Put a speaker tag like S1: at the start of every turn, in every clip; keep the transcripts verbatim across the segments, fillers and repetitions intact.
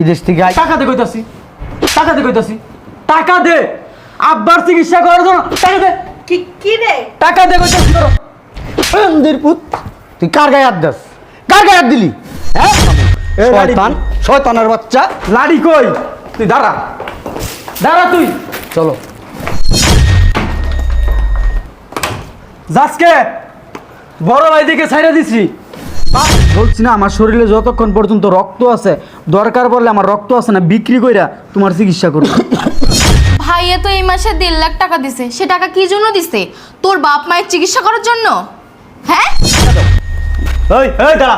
S1: বিদেশ থেকে
S2: টাকা দে কইতাছি, টাকা দে কইতাছি, টাকা দে আব্বার চিকিৎসা করার জন্য টাকা দে।
S3: কি কি রে?
S2: টাকা দে কইতাছি তোর
S1: বন্দির পুত, তুই কার গায়ে হাত দাস? কার গায়ে হাত দিলি? হ্যাঁ
S2: এ লাড়ি
S1: শয়তান, শয়তানের বাচ্চা।
S2: লাড়ি কই? তুই দাঁড়া, দাঁড়া তুই।
S1: চলো
S2: যাসকে বড় ভাই দিকে ছাইড়া দিছি। বলছি না আমার শরীরে যতক্ষণ পর্যন্ত রক্ত আছে, দরকার পড়লে আমার রক্ত আছে না বিক্রি কইরা তোমার চিকিৎসা করব।
S4: ভাইয়া তো এই মাসে দেড় লাখ টাকা দিছে, সে টাকা কি জন্য দিছে? তোর বাপ মায়ের চিকিৎসা করার জন্য? হ্যাঁ
S2: এই এই দাঁড়া।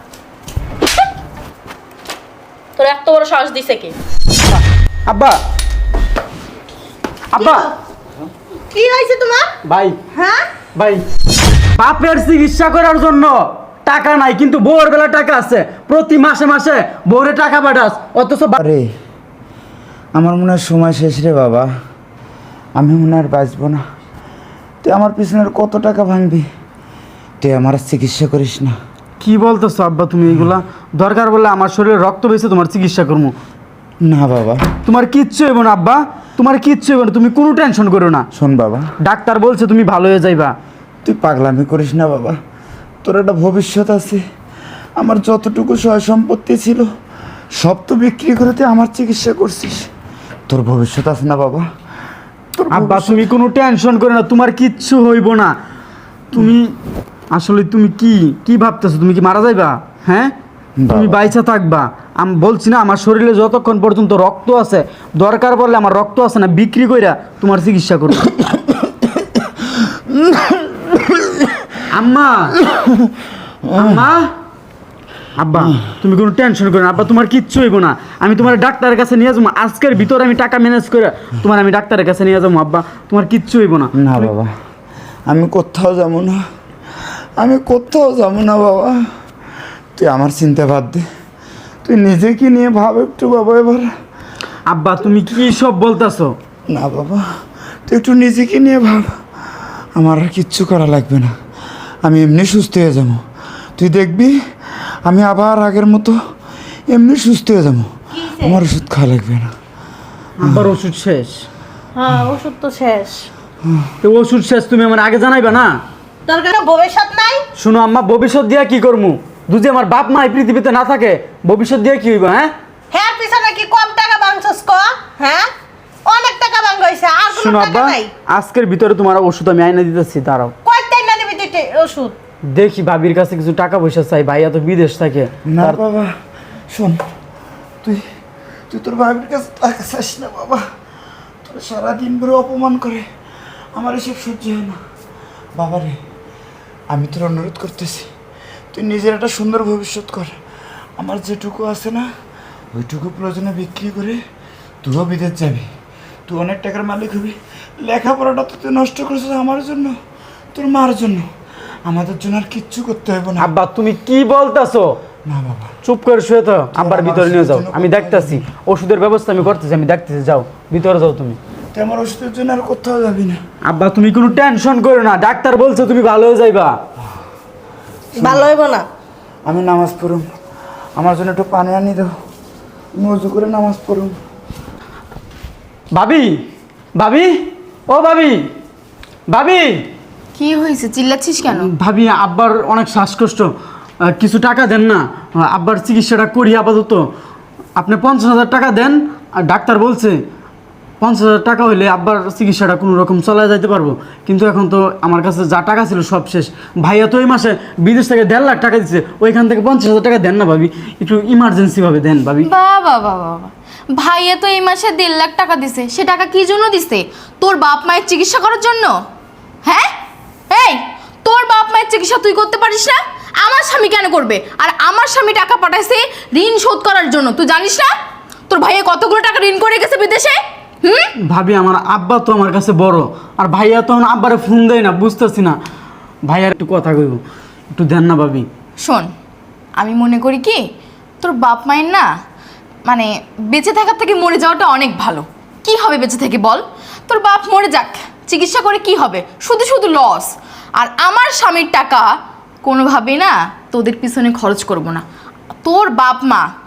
S3: তোর এত বড় সাহস দিছে কে?
S2: আব্বা, আব্বা,
S3: কি হইছে তোমার?
S2: ভাই
S3: হ্যাঁ?
S2: ভাই বাপের চিকিৎসা করার জন্য টাকা নাই, কিন্তু বউয়ের বেলা টাকা আছে। প্রতি মাসে মাসে বউরে টাকা পাঠাস, অথচ বা-
S5: আরে আমার মনে হয় সময় শেষ রে বাবা, আমি মনে হয় আর বাঁচবো না। তুই আমার পিছনের কত টাকা ভাঙবি, তুই আমার আর চিকিৎসা করিস না।
S2: কি বলতেছো আব্বা তুমি এগুলা? দরকার বলে আমার শরীরে রক্ত বেশি, তোমার চিকিৎসা করবো।
S5: না বাবা,
S2: তোমার কিচ্ছু হইব না আব্বা, তোমার কিচ্ছু হইব না, তুমি কোনো টেনশন করো না।
S5: শোন বাবা,
S2: ডাক্তার বলছে তুমি ভালো হয়ে যাইবা।
S5: তুই পাগলামি করিস না বাবা, তোর একটা ভবিষ্যৎ আছে। আমার যতটুকু সয় সম্পত্তি ছিল সব তো বিক্রি করে তুই আমার চিকিৎসা করছিস, তোর ভবিষ্যৎ আছে না বাবা? তোর
S2: আব্বা
S5: ভবিষ্যৎ-
S2: তুমি কোনো টেনশন করো না, তোমার কিচ্ছু হইব না। তুমি আসলে তুমি কি কি ভাবতেছো? তুমি কি মারা যাইবা? হ্যাঁ, তুমি
S5: বাবা।
S2: বাইচা থাকবা। আমি বলছি না আমার শরীরে যতক্ষণ পর্যন্ত রক্ত আছে, দরকার পড়লে আমার রক্ত আছে না বিক্রি কইরা তোমার চিকিৎসা করবো। আম্মা, আম্মা, আব্বা তুমি কোনো টেনশন করো না আব্বা, তোমার কিচ্ছু হইব না। আমি তোমার ডাক্তারের কাছে নিয়ে যাবো, আজকের ভিতরে আমি টাকা ম্যানেজ করে তোমার আমি ডাক্তারের কাছে নিয়ে যাবো। আব্বা তোমার কিচ্ছু হইব না।
S5: না বাবা, আমি কোথাও যাবো না, আমি কোথাও যাবো না বাবা। তুই আমার চিন্তা বাদ দে, তুই নিজেকে নিয়ে ভাব একটু বাবা এবার।
S2: আব্বা তুমি কি সব বলতেছো?
S5: না বাবা, তুই একটু নিজেকে নিয়ে ভাব, আমার আর কিচ্ছু করা লাগবে না, আমি এমনি সুস্থ হয়ে যাবো। তুই দেখবি আমি আবার আগের মতো এমনি সুস্থ হয়ে যাবো, আমার ওষুধ খাওয়া লাগবে না।
S2: আব্বার ওষুধ শেষ?
S3: হ্যাঁ, ওষুধ তো শেষ।
S2: তো ওষুধ শেষ তুমি আমার আগে জানাইবা না?
S3: তোর কোনো ভবিষ্যৎ নাই?
S2: শুনো আম্মা, ভবিষ্যৎ দিয়া কি করবো? যদি আমার বাপ মা এই পৃথিবীতে না থাকে, ভবিষ্যৎ দিয়া কি হইব? হ্যাঁ
S3: হ্যাঁ, পিছনে কি কম টাকা ভাঙছস ক? হ্যাঁ, অনেক টাকা ভাঙ হইছে, আর কোনো
S2: শুনো
S3: টাকা
S2: আব্বা,
S3: নাই।
S2: আজকের ভিতরে তোমার ওষুধ আমি আইনা দিতেছি, দাঁড়াও।
S3: কয়টাই না দিবি তুই টে- ওষুধ?
S2: দেখি ভাবির কাছে কিছু টাকা পয়সা চাই, ভাইয়া তো বিদেশ থাকে।
S5: না
S2: তার-
S5: বাবা, শোন, তুই তুই তোর ভাবির কাছে টাকা চাস না বাবা, তোর সারাদিন ধরে অপমান করে, আমার এসব সহ্য হয় না বাবা রে। আমি তোর অনুরোধ করতেছি, তুই নিজের একটা সুন্দর ভবিষ্যৎ কর। আমার যেটুকু আছে না, ওইটুকু প্রয়োজনে বিক্রি করে তুইও বিদেশ যাবি, তুই অনেক টাকার মালিক হবি। লেখাপড়াটা তো তুই নষ্ট করছিস আমার জন্য, তোর মার জন্য, আমাদের জন্য আর কিচ্ছু করতে হবে না।
S2: আব্বা তুমি কি বলতেছো?
S5: না বাবা,
S2: চুপ করে শুয়ে তো, আব্বার
S5: আমার
S2: ভিতরে নিয়ে যাও,
S5: ওষুধের জন্য
S2: আমি
S5: কোথাও
S2: দেখতাছি। ওষুধের ব্যবস্থা আমি করতেছি, আমি দেখতেছি, যাও ভিতরে যাও তুমি।
S5: তুই আমার ওষুধের জন্য আর কোথাও যাবি না।
S2: আব্বা তুমি কোনো টেনশন করো না, ডাক্তার বলছে তুমি ভালো হয়ে যাইবা।
S3: ভালো হইব না।
S5: আমি নামাজ পড়ুম, আমার জন্য একটু পানি আনি দাও, আমি উজু করে নামাজ পড়ুম।
S2: ভাবি, ভাবি, ও ভাবি, ভাবি,
S4: কি হয়েছে? চিল্লাচ্ছিস কেন?
S2: ভাবি আব্বার অনেক শ্বাসকষ্ট, আহ, কিছু টাকা দেন না, আহ, আব্বার চিকিৎসাটা করি আপাতত। আপনি পঞ্চাশ হাজার টাকা দেন, আর ডাক্তার বলছে পঞ্চাশ হাজার টাকা হইলে আব্বার চিকিৎসাটা কোনো রকম চলায় যাইতে পারবো। কিন্তু এখন তো আমার কাছে যা টাকা ছিল সব শেষ। ভাইয়া তো এই মাসে বিদেশ থেকে দেড় লাখ টাকা দিচ্ছে, ওইখান থেকে পঞ্চাশ হাজার টাকা দেন না ভাবি, একটু ইমার্জেন্সিভাবে দেন ভাবি।
S4: বাবা বাবা বাবা, ভাইয়া তো এই মাসে দেড় লাখ টাকা দিছে, সে টাকা কি জন্য দিছে? তোর বাপ মায়ের চিকিৎসা করার জন্য? হ্যাঁ, এই তোর বাপ মায়ের চিকিৎসা তুই করতে পারিস না? আমার স্বামী কেন করবে? আর আমার স্বামী টাকা পাঠাইছে ঋণ শোধ করার জন্য, তুই জানিস না? তোর ভাইয়া কতগুলো টাকা ঋণ করে গেছে বিদেশে। হুম,
S2: ভাবি আমার আব্বা তো আমার কাছে বড়, আর ভাইয়া তো আব্বারে ফোন দেয় না, বুঝতেছি না। ভাইয়ার একটু কথা কইব, একটু দেন না ভাবি।
S4: শোন, আমি মনে করি কি তোর বাপ মায়ের না, মানে বেঁচে থাকার থেকে মরে যাওয়াটা অনেক ভালো। কি হবে বেঁচে থেকে বল? তোর বাপ মরে যাক, চিকিৎসা করে কি হবে? শুধু শুধু লস। আর আমার স্বামীর টাকা কোনোভাবেই না তোদের পিছনে খরচ করব না। তোর বাপ মা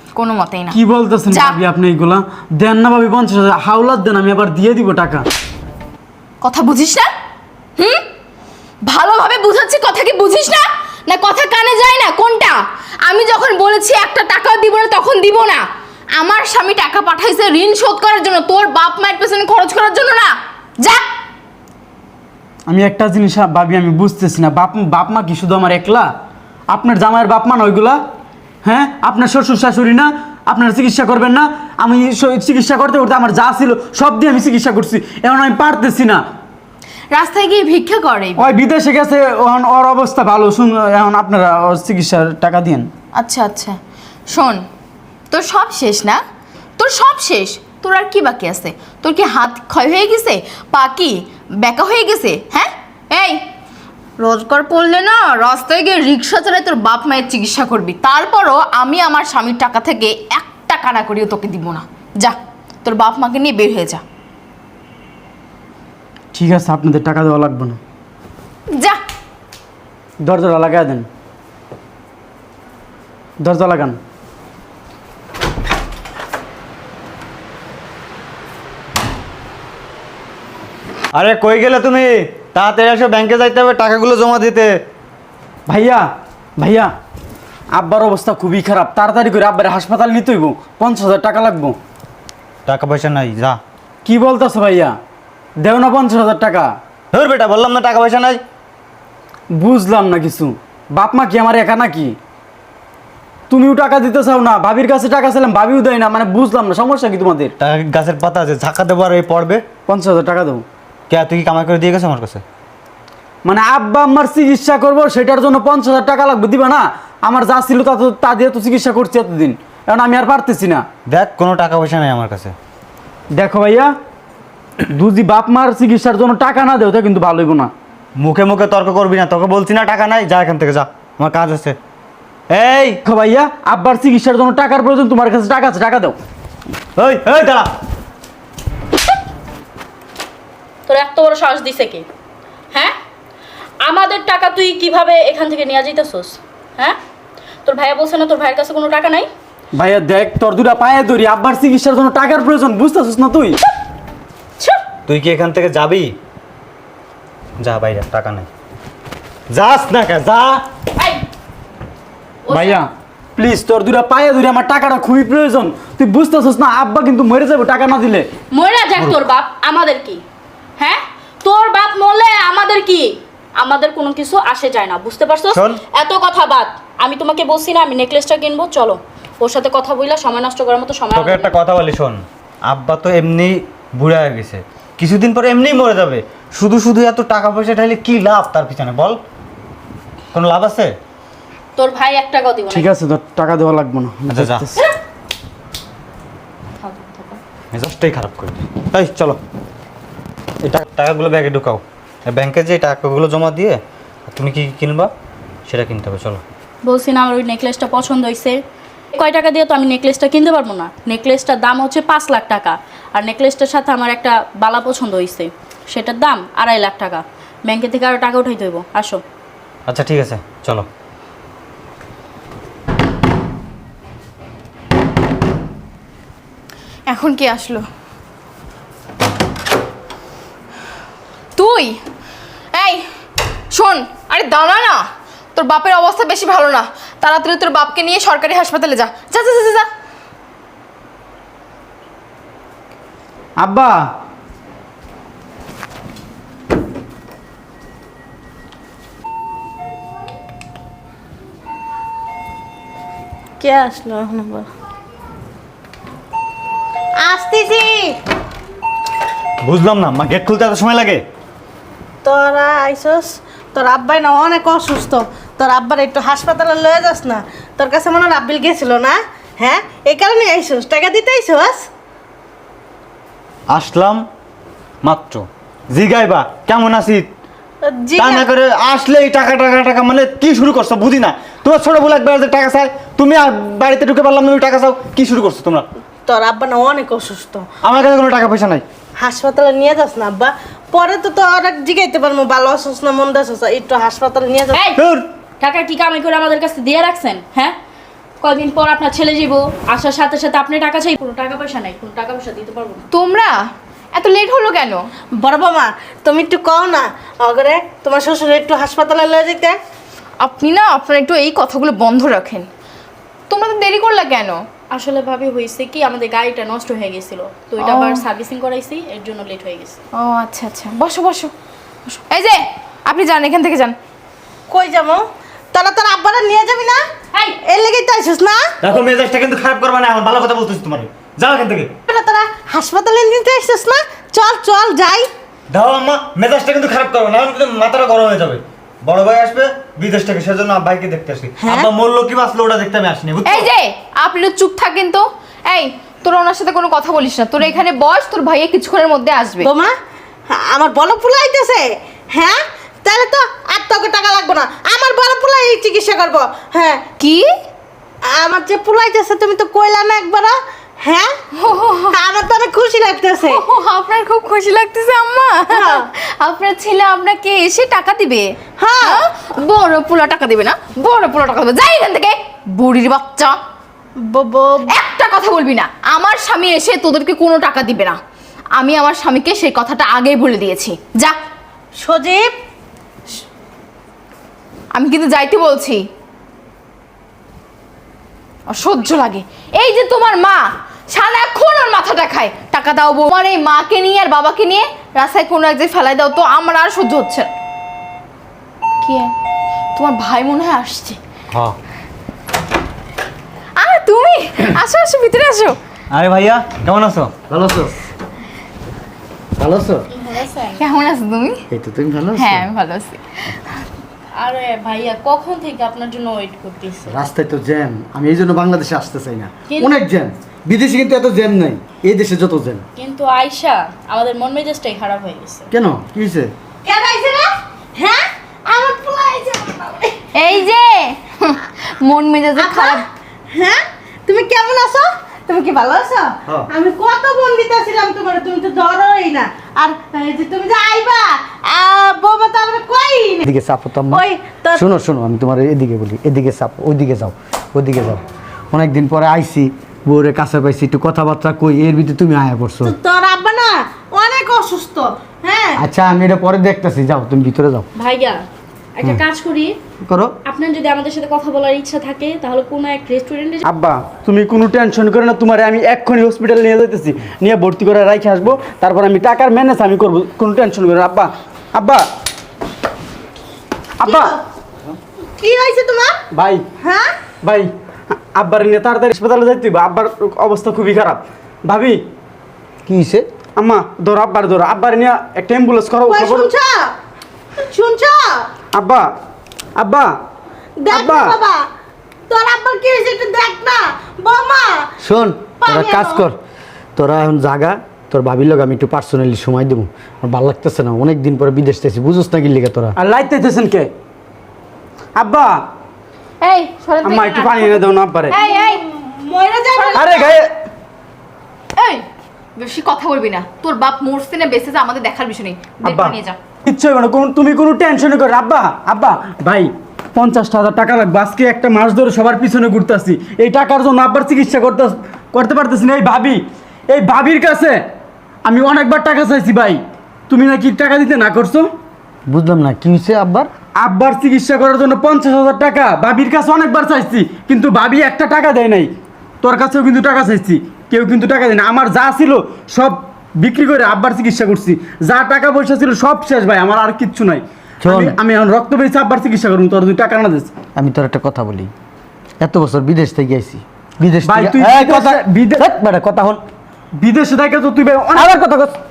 S4: কোনো মতেই না।
S2: কি বলতেছেন
S4: যা।
S2: ভাবি আপনি এইগুলা? দেন না ভাবি পঞ্চাশ হাজার, হাওলাত দেন, আমি আবার দিয়ে দিব টাকা।
S4: কথা বুঝিস না? হুম, ভালোভাবে বুঝাচ্ছি, কথা কি বুঝিস না? না কথা কানে যায় না? কোনটা? আমি যখন বলেছি একটা টাকাও দিব না তখন দিব না। আমার স্বামী টাকা পাঠাইছে ঋণ শোধ করার জন্য, তোর বাপ মায়ের পেছনে খরচ করার জন্য না। যা।
S2: আমি একটা জিনিস ভাবি আমি বুঝতেছি না, বাপ বাপ মা কি শুধু আমার একলা? আপনার জামাইয়ের বাপ মা না ওইগুলা? হ্যাঁ, আপনার শ্বশুর শাশুড়ি না? আপনার চিকিৎসা করবেন না? আমি স- চিকিৎসা করতে করতে আমার যা ছিল সব দিয়ে আমি চিকিৎসা করছি, এখন আমি পারতেছি না।
S4: রাস্তায় গিয়ে ভিক্ষা করে।
S2: ওই বিদেশে গেছে, এখন ওর অবস্থা ভালো, শুন এখন আপনারা ওর চিকিৎসার টাকা দিন।
S4: আচ্ছা আচ্ছা, শোন, তোর সব শেষ না? তোর সব শেষ, তোর আর কি বাকি আছে? তোর কি হাত ক্ষয় হয়ে গেছে, পা কি বেঁকা হয়ে গেছে? হ্যাঁ, এই রোজগার পড়লে না রাস্তায় গিয়ে রিক্সা চালায় তোর বাপ মায়ের চিকিৎসা করবি, তারপরও আমি আমার স্বামীর টাকা থেকে এক টাকা না করিও তোকে দিব না। যা, তোর বাপ মাকে নিয়ে বের হয়ে যা।
S2: ঠিক আছে, আপনাদের টাকা দেওয়া লাগবে না।
S4: যা।
S2: দরজাটা লাগাই দেন, দরজা লাগান।
S1: আরে কই গেলে তুমি? তাড়াতাড়ি এসে ব্যাংকে যাইতে হবে, টাকাগুলো জমা দিতে।
S2: ভাইয়া ভাইয়া আব্বার অবস্থা খুবই খারাপ, তাড়াতাড়ি করে আব্বার হাসপাতাল নিতে হইব, পঞ্চাশ হাজার টাকা লাগবো।
S1: টাকা পয়সা নাই, যা।
S2: কি বলতেছো ভাইয়া? দেও না পঞ্চাশ হাজার টাকা।
S1: ধর বেটা, বললাম না টাকা পয়সা নাই।
S2: বুঝলাম না কিছু, বাপ মা কি আমার একা নাকি? তুমিও টাকা দিতে চাও না, ভাবির কাছে টাকা চাইলাম ভাবিও দেয় না, মানে বুঝলাম না সমস্যা কি তোমাদের?
S1: টাকা কি গাছের পাতা আছে ঝাঁকা দেবো আর এই পড়বে?
S2: পঞ্চাশ হাজার টাকা দেবো।
S1: কে, তুই কি কামাই করে দিয়ে গেছো আমার কাছে?
S2: মানে আব্বা আম্মার চিকিৎসা করবো, সেটার জন্য পঞ্চাশ হাজার টাকা লাগবে, দিবা না? আমার যা ছিল তা তো তা দিয়ে তো চিকিৎসা করছি এতদিন, এখন আমি আর পারতেছি না।
S1: দেখ, কোনো টাকা পয়সা নাই আমার কাছে।
S2: দেখো ভাইয়া, দুজি বাপ মার চিকিৎসার জন্য টাকা না দেও তা কিন্তু ভালো হইব না।
S1: মুখে মুখে তর্ক করবি না, তোকে বলছি না টাকা নাই, যা এখান থেকে, যা, আমার কাজ আছে। এই
S2: দেখো ভাইয়া, আব্বার চিকিৎসার জন্য টাকার প্রয়োজন, তোমার কাছে টাকা আছে, টাকা দাও।
S1: ওই ওই দাঁড়া।
S6: তোর এত বড় সাহস দিছে কি? হ্যাঁ, আমাদের টাকা তুই কিভাবে এখান থেকে নিয়ে যাইতেছস? হ্যাঁ, তোর ভাইয়া বলছে না তোর ভাইয়ের কাছে কোনো টাকা নাই?
S2: ভাইয়া দেখ, তোর দুটা পায়ে ধরি, আব্বার চিকিৎসার জন্য টাকার প্রয়োজন, বুঝতেছিস না তুই?
S6: ছুপ!
S1: তুই কি এখান থেকে যাবি? যা বাইরে, টাকা নাই, যাস না কে, যা।
S6: এই, ও
S2: ভাইয়া প্লিজ, তোর দুটা পায়ে ধরি, আমার টাকাটা খুবই প্রয়োজন, তুই বুঝতেছিস না? আব্বা কিন্তু মরে যাবে টাকা না দিলে।
S6: মরে যাক তোর বাপ, আমাদের কি? হ্যাঁ, তোর বাপ মরলে আমাদের কি? আমাদের কোনো কিছু আসে যায় না, বুঝতে পারছস?
S1: শোন।
S6: এত কথা বাদ, আমি তোমাকে বলছি না আমি নেকলেসটা কিনবো, চলো ওর সাথে কথা বইলা সময় নষ্ট করার মতো সময়
S1: তোকে
S6: আমাদের
S1: একটা
S6: নেই।
S1: কথা বলি, শোন, আব্বা তো এমনি বুড়া হয়ে গেছে, কিছুদিন পরে এমনিই মরে যাবে, শুধু শুধু এত টাকা পয়সা ঢাইলে কি লাভ তার পিছনে, বল? কোনো লাভ আছে?
S6: তোর ভাই এক টাকাও দিব না।
S2: ঠিক আছে, তোর টাকা দেওয়া লাগবে না, আমি
S1: আচ্ছা, যা।
S2: দেখতেছি।
S1: মেজাজটাই খারাপ করে দিই। এই চলো, এই টাকা- টাকাগুলো ব্যাগে ঢুকাও, ব্যাংকে যে টাকাগুলো জমা দিয়ে তুমি কি কি কিনবা সেটা কিনতে হবে, চলো।
S6: বলছি না আমার ওই নেকলেসটা পছন্দ হয়েছে, কয় টাকা দিয়ে তো আমি নেকলেসটা কিনতে পারবো না। নেকলেসটার দাম হচ্ছে পাঁচ লাখ টাকা, আর নেকলেসটার সাথে আমার একটা বালা পছন্দ হয়েছে, সেটার দাম আড়াই লাখ টাকা। ব্যাংকে থেকে আরও টাকা উঠাইতে হইব, আসো।
S1: আচ্ছা ঠিক আছে, চলো।
S4: এখন কে আসলো? তুই? এই শোন, আরে দাঁড়া না, তোর বাপের অবস্থা বেশি ভালো না, তাড়াতাড়ি তোর বাপকে নিয়ে সরকারি হাসপাতালে যা, যা যা যা, যা।
S2: আব্বা,
S3: কে আসলো এখন আবার? আসতেছি।
S1: বুঝলাম না, মা গেট খুলতে এত সময় লাগে?
S3: তোরা আইসস, তোর আব্বাই না অনেক অসুস্থ, তোর আব্বার একটু হাসপাতালে লয়ে যাস না। তোর কাছে মনে হয় আব্বিল গেছিল না? হ্যাঁ, এই কারণে আইসস, টাকা দিতে আইসস?
S1: আসলাম মাত্র, জিগাইবা কেমন আছি,
S3: জি
S1: তা না করে আসলে এই টাকা টাকা টাকা, মানে কি শুরু করছো বুঝি না। তোমার ছোট বলে একবার যে টাকা চাই, তুমি আর বাড়িতে ঢুকে পারলাম না, তুমি টাকা চাও, কি শুরু করছো তোমরা?
S3: তোর আব্বা না অনেক অসুস্থ,
S1: আমার কাছে কোনো টাকা পয়সা নাই।
S3: হাসপাতালে নিয়ে যাস না আব্বা, পরে তো তো আর জিগাইতে পারবো ভালো আছিস না মন্দ আছিস, একটু হাসপাতালে নিয়ে যাস।
S6: এই,
S1: ধুর,
S6: টাকা কি কামাই করে আমাদের কাছে দিয়ে রাখছেন? হ্যাঁ, কয়দিন পর আপনার ছেলে যাবো, আসার সাথে সাথে আপনি টাকা চাই, কোনো টাকা পয়সা নাই, কোনো টাকা পয়সা দিতে পারবো না।
S4: তোমরা এত লেট হলো কেন?
S3: বড় বাবা তুমি একটু কও না অগরে তোমার শ্বশুর একটু হাসপাতালে লয়ে যেতে।
S4: আপনি না আপনারা একটু এই কথাগুলো বন্ধ রাখেন। তোমরা তো দেরি করলা কেন?
S6: আসলে ভাবি হয়েছে কি, আমাদের গাড়িটা নষ্ট হয়ে গেছিল, তো এটা
S4: ও।
S6: আবার সার্ভিসিং করাইছি, এর জন্য লেট হয়ে গেছে।
S4: ও আচ্ছা আচ্ছা, বসো বসো বসো। এই যে আপনি যান, এখান থেকে যান।
S3: কই যাবো? তোরা তোর আব্বারা নিয়ে যাবি না?
S6: এই!
S3: এর লেগেই তো আইসিস না?
S1: দেখো মেজাজটা কিন্তু খারাপ করবে না, এখন ভালো কথা বলতেছি তোমার। যাও এখান থেকে।
S3: তোরা তোরা হাসপাতালে নিতে আইসিস না? চল চল যাই।
S1: দাও আম্মা, মেজাজটা কিন্তু খারাপ করবে না, এখন কিন্তু মাথাটা গরম হয়ে যাবে। বড় ভাই আসবে বিদেশ থেকে, সেজন্য ভাইকে দেখতে আসি।
S3: হ্যাঁ?
S1: আব্বা মরলো কি বাঁচলো ওটা দেখতে আমি আসিনি, বুঝছো?
S4: এই যে আপনি তো চুপ থাকেন তো। এই তোরা ওনার সাথে কোনো কথা বলিস না, তোরা এখানে বস, তোর ভাইয়া কিছুক্ষণের মধ্যে আসবে।
S3: বোমা আমার বড় পোলা আইতেছে, হ্যাঁ তাহলে তো আর তোকে টাকা লাগবে না, আমার বড় পোলাই চিকিৎসা করবো। হ্যাঁ
S4: কি?
S3: আমার যে পোলা আইতেছে তুমি তো কইলা না একবার, হ্যাঁ আমার তো অনেক খুশি লাগতেছে।
S4: ও, আপনার খুব খুশি লাগতেছে আম্মা?
S3: হ্যাঁ।
S4: আপনার ছেলে আপনাকে এসে টাকা দিবে?
S3: হ্যাঁ।
S4: হ্যাঁ? বড় পোলা টাকা দিবে না? বড় পোলা টাকা দিবে, যাই এখান থেকে বুড়ির বাচ্চা।
S3: ব- ব-
S4: একটা কথা বলবি না, আমার স্বামী এসে তোদেরকে কোনো টাকা দিবে না। আমি আমার স্বামীকে সেই কথাটা আগেই বলে দিয়েছি। যা।
S3: সজীব
S4: আমি কিন্তু যাইতে বলছি। অসহ্য লাগে। এই যে তোমার মা সারাক্ষণ ওর মাথাটা খায়, টাকা দাও বউ। আমার এই মাকে নিয়ে আর বাবাকে নিয়ে রাস্তায় কোনো এক জায়গায় ফেলাই দাও তো, আমার আর সহ্য হচ্ছে না। কি তোমার ভাই মনে হয় আসছে?
S1: হ্যাঁ।
S4: আরে তুমি আসো আসো, ভিতরে আসো।
S1: আরে ভাইয়া কেমন আছো? ভালো আছো?
S2: ভালো আছো?
S4: কেমন আছো তুমি?
S2: এই তো তুমি ভালো
S4: হ্যাঁ আমি ভালো আছি।
S6: আরে ভাইয়া কখন থেকে আপনার জন্য ওয়েট করতেছি।
S2: রাস্তায় তো জ্যাম, আমি এই জন্য বাংলাদেশে আসতে চাই না।
S6: কিন্তু-
S2: অনেক জ্যাম, বিদেশে কিন্তু এত জ্যাম নাই, এই দেশে যত জ্যাম।
S6: কিন্তু আয়শা, আমাদের মন মেজাজটাই খারাপ হয়ে গেছে।
S2: কেন, কি হয়েছে?
S3: কেন আইছে রে? হ্যাঁ আমার পোলা আইছে।
S4: এই যে মন মেজাজে খারাপ।
S3: হ্যাঁ তুমি কেমন আছো? তুমি কি ভালো আছো?
S2: হ্যাঁ।
S3: আমি কত বোন দিতেছিলাম তোমার, তুমি তো ধরোই না। আর এই যে তুমি যে আইবা আহ, বৌমা তো আমরা কই না।
S2: এদিকে চাপো তো আম্মা।
S3: ওই তোর
S2: শোনো শোনো, আমি তোমার এদিকে বলি, এদিকে চাপো, ওইদিকে যাও, ওইদিকে যাও। অনেকদিন পরে আইছি, বউরে কাছে পাইছি, একটু কথাবার্তা কই, এর ভিতরে তুমি আয়া পড়ছো।
S3: তো- তোর আব্বা না অনেক অসুস্থ। হ্যাঁ
S2: আচ্ছা আমি এটা পরে দেখতেছি, যাও তুমি ভিতরে যাও।
S6: ভাইয়া একটা কাজ করি,
S2: করো।
S6: আপনার যদি আমাদের সাথে কথা বলার ইচ্ছা থাকে তাহলে কোনো এক রেস্টুরেন্টে
S2: আব্বা তুমি কোনো টেনশন করো না, তোমার আমি এক্ষুনি হসপিটালে নিয়ে যাইতেছি, নিয়ে ভর্তি করে রাখে আসবো, তারপর আমি টাকার ম্যানেজ আমি করবো, কোনো টেনশন করো না। আব্বা আব্বা আব্বা
S3: কি হয়েছে তোমার?
S2: ভাই
S3: হ্যাঁ
S2: ভাই আব্বার নিয়ে তাড়াতাড়ি হাসপাতালে যাইতে হবে, আব্বার অবস্থা খুবই খারাপ। ভাবি কি হয়েছে? আম্মা ধরো, আব্বার ধরো, আব্বার নিয়ে একটা অ্যাম্বুলেন্স করো।
S3: কই
S2: খবর-
S3: শুনছ? শুনছ?
S2: আব্বা আব্বা
S3: দেখ
S2: আব্বা
S3: না বাবা, তোর আব্বার কি হয়েছে একটু দেখ না। বৌমা
S2: শোন, তোরা
S3: পানি
S2: কাজ
S3: আনো।
S2: কর, তোরা এখন জাগা, তোর ভাবির লোক আমি একটু পার্সোনালি সময় দেবো, আমার ভালো লাগতেছে না, অনেক দিন পরে বিদেশ থেকে বুঝোস না কি লিখে তোরা। আর লাইতেছেন কে? আব্বা
S4: এই সরেন তো
S2: আম্মা
S4: এখানে
S2: একটু
S4: আসো।
S2: পানি এনে দাও না আব্বারে।
S4: এই এই
S3: মরে যাবে।
S2: আরে গায়ে
S4: এই বেশি কথা বলবি না, তোর বাপ মরছে না বেঁচেছে আমাদের দেখার বিষয় নেই। বের
S2: আব্বা
S4: করে নিয়ে যা।
S2: কিচ্ছু হবে না, কোনো- তুমি কোনো টেনশন করো। আব্বা আব্বা ভাই পঞ্চাশ হাজার টাকা লাগবে, আজকে একটা মাস ধরে সবার পিছনে ঘুরতেছি, এই টাকার জন্য আব্বার চিকিৎসা করতে করতে পারতেছি না। এই ভাবি, এই ভাবির কাছে আমি অনেকবার টাকা চাইছি ভাই, তুমি নাকি টাকা দিতে না করছো।
S7: বুঝলাম না কি হয়েছে আব্বার?
S2: আব্বার চিকিৎসা করার জন্য পঞ্চাশ হাজার টাকা ভাবির কাছে অনেকবার চাইছি, কিন্তু ভাবি একটা টাকা দেয় নাই। তোর কাছেও কিন্তু টাকা চাইছি, কেউ কিন্তু টাকা দেয় না। আমার যা ছিল সব বিক্রি করে আব্বার চিকিৎসা করছি, যা টাকা পয়সা ছিল সব শেষ ভাই, আমার আর কিচ্ছু নাই।
S7: শোন।
S2: আমি- আমি এখন রক্ত পেয়েছি আব্বার চিকিৎসা করবো, তোর তুই টাকা না দিস।
S7: আমি তোর একটা কথা বলি, এত বছর বিদেশ থেকে আইছি, বিদেশ
S2: ভাই,
S7: থেকে-
S2: তুই
S7: এই
S2: বিদেশে-
S7: কথা
S2: বিদে-
S7: ধ্যাৎ বেটা, কথা হন।
S2: বিদেশে থেকে তো তুই ভাই অনেক-
S7: আবার কথা কস।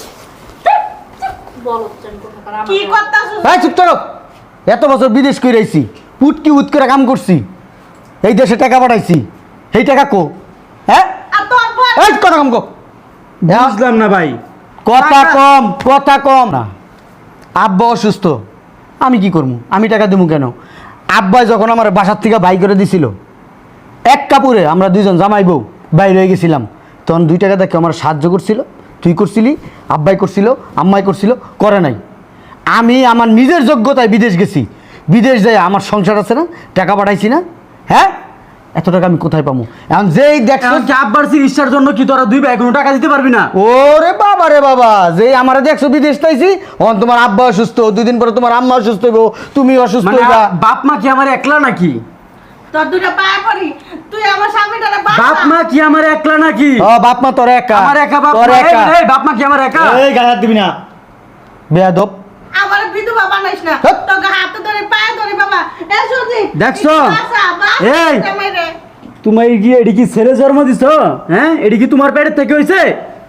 S6: বলো জানি কোথাকার আমার
S3: কি করতাছ?
S7: ভাই চুপ করো। এত বছর বিদেশ করে আইছি, পুটকি উত করে কাম করছি, এই দেশে টাকা পাঠাইছি, এই টাকা কো? হ্যাঁ
S3: আর তোর বর
S7: এই কথা কম কো।
S2: বুঝলাম না ভাই।
S7: কথা
S2: টাকা-
S7: কম, কথা কম না। আব্বা অসুস্থ, আমি কি করবো? আমি টাকা দেবো কেন? আব্বাই যখন আমার বাসার থেকে বাই করে দিছিল, এক কাপড়ে আমরা দুইজন জামাই বউ বাইরে হয়ে গেছিলাম, তখন দুই টাকা দেখে আমার সাহায্য করছিল, তুই করছিলি, আব্বাই করছিল, আম্মাই করছিল, করে নাই। আমি আমার নিজের যোগ্যতায় বিদেশ গেছি, বিদেশ যাই আমার সংসার আছে না, টাকা পাঠাইছি না? হ্যাঁ, এত টাকা আমি কোথায় পাবো? এখন যেই দেখছো
S2: এখন কি আব্বার চিকিৎসার জন্য কি তোরা দুই ভাই কোনো টাকা দিতে পারবি না?
S7: ওরে বাবা রে বাবা, যেই আমারে দেখছো বিদেশ তাইছি, অন তোমার আব্বা অসুস্থ, দুই দিন পরে তোমার আম্মা অসুস্থ হইব, তুমি অসুস্থ
S2: মানে
S7: হইবা।
S2: বাপ মা কি আমার একলা নাকি?
S3: তোর দুটো পায়ে পড়ি, তুই আমার স্বামীটারে
S2: বাপ মা কি আমার একলা নাকি?
S7: ও বাপ মা তোর একা,
S2: আমার একা বাপ
S7: তোর
S2: মা?
S7: একা।
S2: এই, এই, বাপ মা কি আমার একা?
S1: এই গায়ে হাত দিবি না।
S7: বেয়াদব।
S3: আমার বিধবা বানাইস না,
S7: হ্যাঁ।
S3: তোকে হাতে ধরে পায়ে ধরে বাবা। এ সুজি,
S2: দেখছো?
S3: একটু আসা, বাপ,
S2: এই।
S3: এটা মেরে।
S2: তুমি কি এডি কি ছেলে জন্ম দিছো? হ্যাঁ, এডি কি তোমার পেটের থেকে হইছে?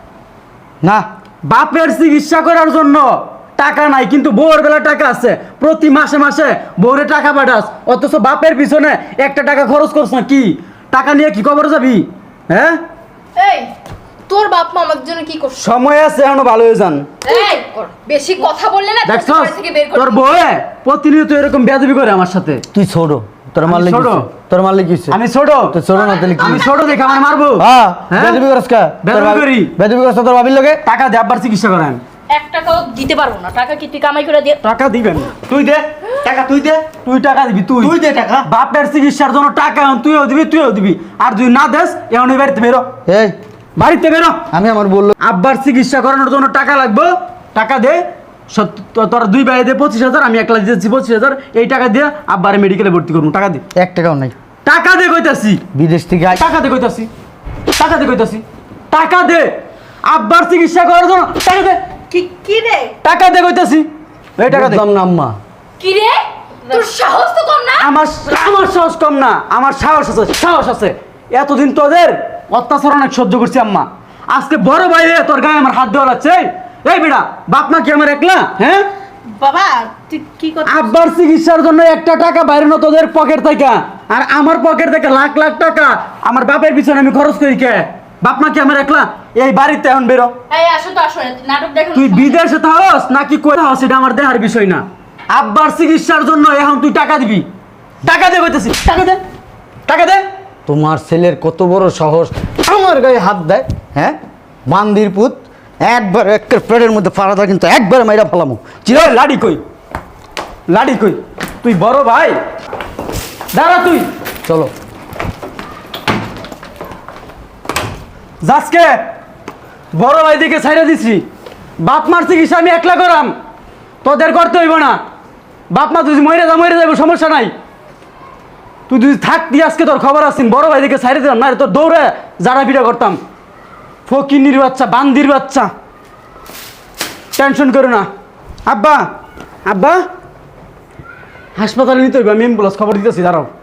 S7: না
S2: বাপের চিকিৎসা করার জন্য টাকা নাই, কিন্তু বউর বেলা টাকা আছে। প্রতি মাসে মাসে বউরে টাকা পাঠাস, অথচ বাপের পিছনে একটা টাকা খরচ করছ না। কি টাকা নিয়ে কি কবর যাবি? হ্যাঁ,
S4: এই তোর বাপ মা আমাদের জন্য কি করছে?
S2: সময় আছে, এখনো ভালো হয়ে যান।
S4: এই বেশি কথা বললে না তোকে
S2: দেখছস
S4: বাড়ি থেকে বের করে
S2: তোর
S4: দিব।
S2: বউ প্রতিনিয়ত এরকম বেয়াদবি করে আমার সাথে।
S7: তুই ছোট, তোর
S2: আমি
S7: মারলে
S2: ছোট?
S7: কি হইছে? তোর মারলে কি হইছে?
S2: আমি ছোট?
S7: তুই ছোট না তাহলে কি?
S2: আমি ছোট দেখে আমার মারবো?
S7: হ্যাঁ,
S2: হ্যাঁ?
S7: বেয়াদবি করছ কা?
S2: বেয়াদবি
S7: তোর ভাবি-
S2: করি।
S7: বেয়াদবি করছ তোর ভাবির লগে?
S2: টাকা দে, আব্বার চিকিৎসা করেন।
S6: এক টাকাও দিতে পারবো না। টাকা কি তুই কামাই করে দিয়ে?
S2: টাকা দিবেন?
S1: তুই দে টাকা, তুই দে,
S2: তুই টাকা দিবি? তুই
S1: তুই দে টাকা।
S2: বাপের চিকিৎসার জন্য টাকা এখন তুইও দিবি, তুইও দিবি। আর তুই না দেস, এখন এই বাড়িতে বেরো,
S7: এই
S2: বাড়িতে বেরো।
S7: আমি আমার বললো
S2: আব্বার চিকিৎসা করানোর জন্য টাকা লাগবে, টাকা দে। সত- তো- তোর দুই ভাই দে পঁচিশ হাজার, আমি একলা দিয়েছি পঁচিশ হাজার। এই টাকা দিয়ে আব্বারে মেডিকেলে ভর্তি করবো। টাকা দে,
S7: এক টাকাও নাই।
S2: টাকা দে কইতাছি,
S7: বিদেশ থেকে আই-
S2: টাকা দে কইতাছি, টাকা দে কইতাছি, টাকা দে। আব্বার চিকিৎসা করার জন্য টাকা দে,
S3: কি কি রে?
S2: টাকা দে কইতাছি। এই টাকা দে।
S7: বুঝলাম না আম্মা।
S4: কি রে তোর সাহস তো কম না?
S2: আমার আমার সাহস কম না, আমার সাহস আছে, সাহস আছে। এতদিন তোদের অত্যাচার অনেক সহ্য করছি আম্মা, আজকে বড় ভাই হয়ে তোর গায়ে আমার হাত দেওয়া লাগছে। এই বেটা, বাপ মা কি আমার একলা? হ্যাঁ,
S3: বাবা তুই কি করছিস?
S2: আব্বার চিকিৎসার জন্য একটা টাকা বাইরে না তোদের পকেট থেকে, আর আমার পকেট থেকে লাখ লাখ টাকা আমার বাপের পিছনে আমি খরচ করি কে? বাপ মা কি আমার একলা? এই বাড়িতে এখন বেরো।
S6: এই আসো তো, আসো, নাটক দেখো।
S2: তুই বিদেশে থাকস নাকি কই থাকস এটা আমার দেহার বিষয় না। আব্বার চিকিৎসার জন্য এখন তুই টাকা দিবি, টাকা দে কইতেছি, টাকা দে, টাকা দে।
S7: তোমার ছেলের কত বড় সাহস আমার গায়ে হাত দেয়? হ্যাঁ, মান্দির পুত, একবার একের পেটের মধ্যে ফাড়া কিন্তু একবার মাইরা ফেলামো।
S2: চির লাডি কই, লাডি কই? তুই বড় ভাই, দাঁড়া তুই।
S7: চলো।
S2: যাসকে বড় ভাই দিকে ছাইড়া দিছি, বাপ মার চিকিৎসা আমি একলা করাম, তোদের করতে হইব না। বাপ মা তুই মরে যা, মরে যাবো, সমস্যা নাই। তুই যদি থাকতি আজকে তোর খবর আসিন, বড় ভাই দিকে ছাইড়ে দিলাম, না রে তোর দৌড়ে যারা পিঠা করতাম। ফকিনির বাচ্চা, বান্দির বাচ্চা, টেনশন করো না। আব্বা, আব্বা, হাসপাতালে নিতে হইব, আমি অ্যাম্বুলেন্স খবর দিতেছি, দাঁড়াও।